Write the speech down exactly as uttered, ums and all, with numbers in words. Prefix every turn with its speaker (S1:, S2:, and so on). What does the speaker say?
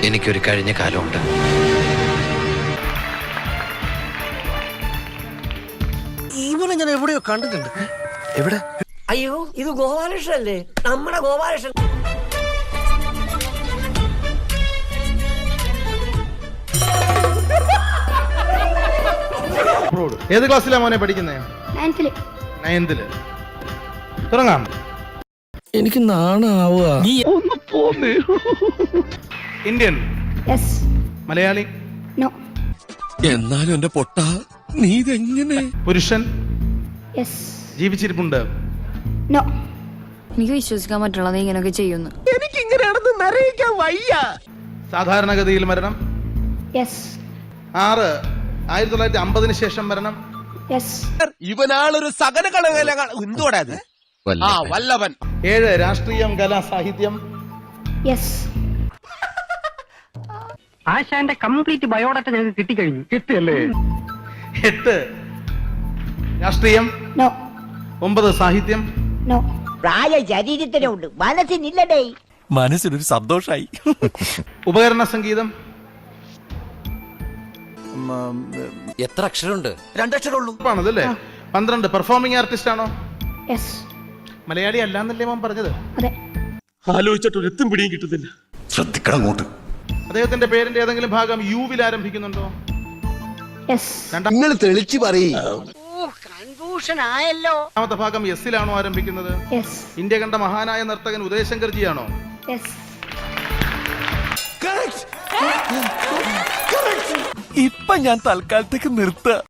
S1: എനിക്കൊരു കഴിഞ്ഞ കാലമുണ്ട്.
S2: ഇവനെ ഞാൻ എവിടെയോ കണ്ടിട്ടുണ്ട്.
S1: എവിടെ?
S3: അയ്യോ, ഇത് ഗോപാലകൃഷ്ണൻ അല്ലേ? നമ്മുടെ ഗോപാലകൃഷ്ണൻ.
S4: ഏത് ക്ലാസ്സിലാ മോനെ പഠിക്കുന്നേ? നയൻത്തില്. തുടങ്ങാം.
S2: എനിക്ക് നാണാവുക.
S4: ഇന്ത്യൻ? മലയാളി?
S2: എന്നാലും എന്റെ പൊട്ട നീ ഇതെങ്ങനെ?
S4: പുരുഷൻ? ജീവിച്ചിരിപ്പുണ്ട്?
S5: എനിക്ക് വിശ്വസിക്കാൻ പറ്റുള്ള നീ ഇങ്ങനെയൊക്കെ ചെയ്യുന്നു.
S2: എനിക്ക് ഇങ്ങനെയാണെന്ന് അറിയിക്കാൻ വയ്യ.
S4: സാധാരണഗതിയിൽ മരണം? ആറ് ആയിരത്തി തൊള്ളായിരത്തി അമ്പതിന് ശേഷം മരണം?
S2: ഇവനാളൊരു സകല കളകല എന്തോടാ ഇത്? ആ വല്ലവൻ.
S4: ഏഴ് രാഷ്ട്രീയം, കല, സാഹിത്യം?
S6: ആശാന്റെ കംപ്ലീറ്റ് ബയോഡാറ്റ ഞങ്ങൾക്ക് കിട്ടിക്കഴിഞ്ഞു. കിട്ടിയല്ലേ?
S4: എട്ട് രാഷ്ട്രീയം? ഒമ്പത് സാഹിത്യം?
S3: പ്രായ ശരീരത്തിനുണ്ട്, മനസ്സിനില്ലടേ.
S2: മനസ്സിനൊരു സന്തോഷായി.
S4: ഉപകരണ സംഗീതം?
S1: എത്ര അക്ഷരമുണ്ട്?
S2: രണ്ടക്ഷരമുള്ളൂ.
S4: ആണതല്ലേ? പന്ത്രണ്ട് പെർഫോമിംഗ് ആർട്ടിസ്റ്റ് ആണോ? മലയാളി അല്ലാന്നല്ലേ മോൻ പറഞ്ഞത്?
S2: ആലോചിച്ചിട്ട് എത്തും പിടിയും കിട്ടുന്നില്ല.
S7: ശ്രദ്ധിക്കണം അങ്ങോട്ട്.
S4: അദ്ദേഹത്തിന്റെ പേരിന്റെ ഏതെങ്കിലും ഭാഗം യുവിൽ ആരംഭിക്കുന്നുണ്ടോ?
S7: നിങ്ങൾ തെളിച്ചു പറയും.
S3: കൺഫ്യൂഷൻ ആയല്ലോ.
S4: രണ്ടാമത്തെ ഭാഗം എസിലാണോ ആരംഭിക്കുന്നത്? ഇന്ത്യ കണ്ട മഹാനായ നർത്തകൻ ഉദയശങ്കർജി ആണോ?
S2: ഇപ്പൊ ഞാൻ തൽക്കാലത്തേക്ക് നിർത്ത.